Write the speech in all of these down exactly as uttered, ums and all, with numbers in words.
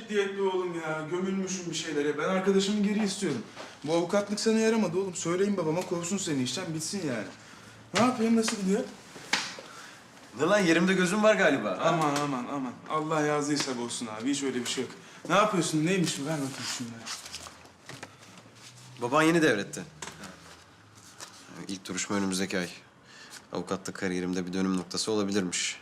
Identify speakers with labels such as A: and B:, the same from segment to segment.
A: ciddiyetli oğlum ya. Gömülmüşüm bir şeylere. Ben arkadaşımı geri istiyorum. Bu avukatlık sana yaramadı oğlum. Söyleyin babama kovsun seni işten bitsin yani. Ne yapayım, nasıl gidiyor?
B: Ne lan, yerimde gözüm var galiba.
A: Aman aman aman. Allah yazdıysa bozsun abi. Hiç öyle bir şey yok. Ne yapıyorsun? Neymiş bu? Ver bakayım şunları.
B: Baban yeni devretti. İlk duruşma önümüzdeki ay. Avukatlık kariyerimde bir dönüm noktası olabilirmiş.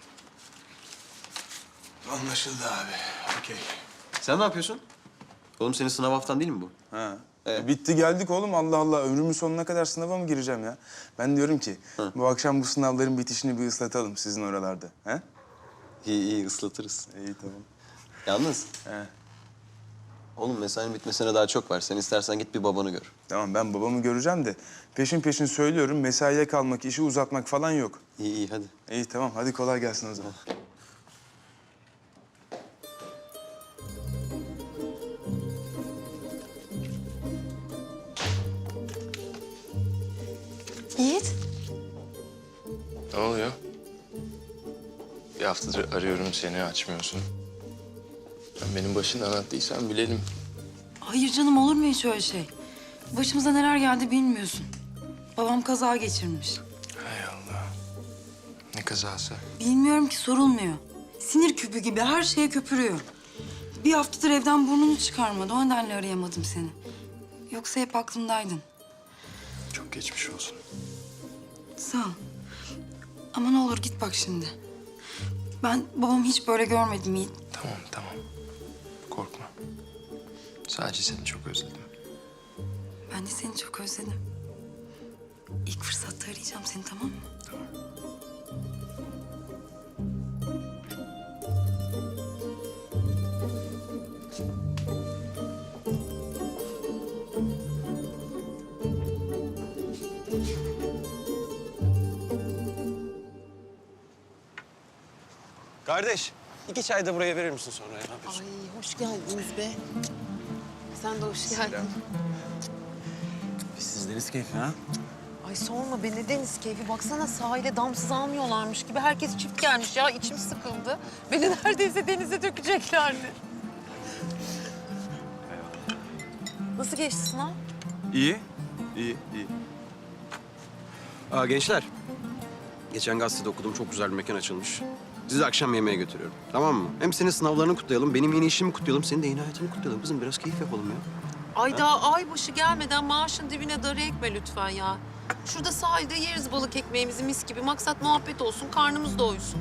A: Anlaşıldı abi. Okey.
B: Sen ne yapıyorsun? Oğlum senin sınav haftan değil mi bu?
A: Ha.
B: Evet.
A: Bitti geldik oğlum. Allah Allah. Ömrümün sonuna kadar sınava mı gireceğim ya? Ben diyorum ki
B: Hı.
A: bu akşam bu sınavların bitişini bir ıslatalım sizin oralarda. He?
B: İyi iyi ıslatırız.
A: İyi tamam.
B: Yalnız
A: He.
B: oğlum mesainin bitmesine daha çok var. Sen istersen git bir babanı gör.
A: Tamam, ben babamı göreceğim de peşin peşin söylüyorum, mesaiye kalmak, işi uzatmak falan yok.
B: İyi iyi hadi.
A: İyi tamam, hadi kolay gelsin o zaman.
C: Yiğit.
D: Ne oluyor? Bir haftadır arıyorum seni, açmıyorsun. Sen benim başından attıysan bilelim.
C: Hayır canım, olur mu hiç öyle şey? Başımıza neler geldi bilmiyorsun. Babam kaza geçirmiş.
D: Hay Allah. Ne kazası?
C: Bilmiyorum ki, sorulmuyor. Sinir küpü gibi her şeye köpürüyor. Bir haftadır evden burnunu çıkarmadı. O nedenle arayamadım seni. Yoksa hep aklımdaydın.
D: Çok geçmiş olsun.
C: Sağ ol. Ama ne olur git bak şimdi. Ben babamı hiç böyle görmedim Yiğit.
D: Tamam, tamam. Korkma. Sadece seni çok özledim.
C: Ben de seni çok özledim. İlk fırsatta arayacağım seni, tamam mı?
D: Tamam.
B: Kardeş, iki çay da buraya verir misin sonra ya? Ne yapıyorsun?
E: Ay hoş geldiniz be. Sen de hoş geldin.
A: Biz siz deniz keyfi ha?
E: Ay sorma be, ne deniz keyfi. Baksana sahile damsız almıyorlarmış gibi. Herkes çift gelmiş ya. İçim sıkıldı. Beni neredeyse denize dökeceklerdi. Nasıl geçti sınav?
A: İyi, iyi, iyi.
B: Aa, gençler. Geçen gazetede okudum, çok güzel bir mekan açılmış. Sizi akşam yemeğe götürüyorum, tamam mı? Hem senin sınavlarını kutlayalım, benim yeni işimi kutlayalım, senin de yeni hayatını kutlayalım. Kızım biraz keyif yapalım ya.
E: Ay daha ay başı gelmeden maaşın dibine darı ekme lütfen ya. Şurada sahilde yeriz balık ekmeğimizi mis gibi. Maksat muhabbet olsun, karnımız doysun.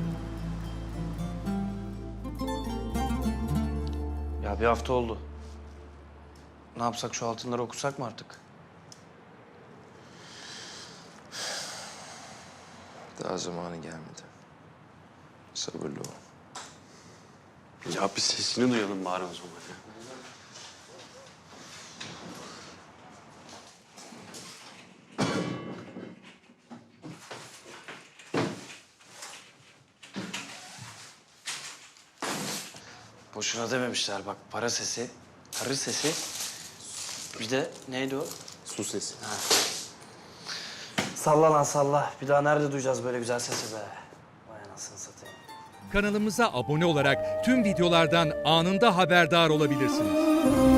F: Ya bir hafta oldu. Ne yapsak, şu altınları okusak mı artık?
D: Daha zamanı gelmedi. Sabırlı ol.
G: Ya bir sesini duyalım bari o zaman ya.
F: Boşuna dememişler bak, para sesi, karı sesi. Bir de neydi o?
G: Su sesi.
F: Salla lan salla. Bir daha nerede duyacağız böyle güzel sesi be? Vay anasını satayım.
H: Kanalımıza abone olarak tüm videolardan anında haberdar olabilirsiniz.